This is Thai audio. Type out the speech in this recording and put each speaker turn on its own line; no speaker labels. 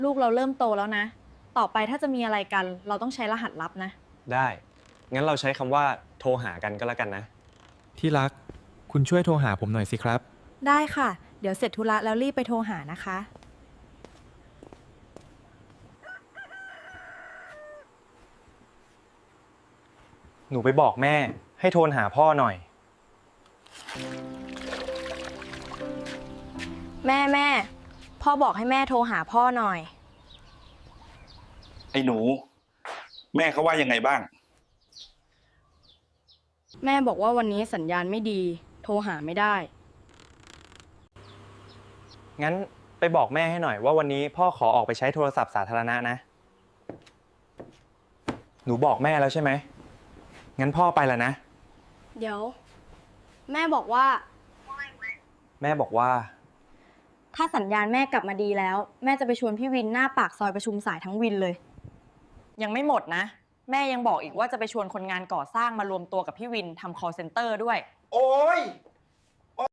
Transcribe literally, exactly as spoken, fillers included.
ลูกเราเริ่มโตแล้วนะ ต่อไปถ้าจะมีอะไรกัน เราต้องใช้รหัสลับนะ
ได้ งั้นเราใช้คำว่าโทรหากันก็แล้วกันนะ
ที่รัก คุณช่วยโทรหาผมหน่อยสิครับ
ได้ค่ะ เดี๋ยวเสร็จธุระแล้วรีบไปโทรหานะคะ
หนูไปบอกแม่ให้โทรหาพ่อหน่อย
แม่แม่ พ่อบอกให้แม่โทรหาพ่อหน่อย
ไอ้หนู แม่เขาว่ายังไงบ้าง
แม่บอกว่าวันนี้สัญญาณไม่ดี โทรหาไม่ได้
งั้นไปบอกแม่ให้หน่อยว่าวันนี้พ่อขอออกไปใช้โทรศัพท์สาธารณะนะ หนูบอกแม่แล้วใช่ไหม งั้นพ่อไปแล้วนะ
เดี๋ยว แม่บอกว่า
แม่บอกว่า
ถ้าสัญญาณแม่กลับมาดีแล้ว แม่จะไปชวนพี่วินหน้าปากซอยประชุมสายทั้งวินเลย ยังไม่หมดนะ แม่ยังบอกอีกว่าจะไปชวนคนงานก่อสร้างมารวมตัวกับพี่วินทำ call center ด้วย
โอ้ย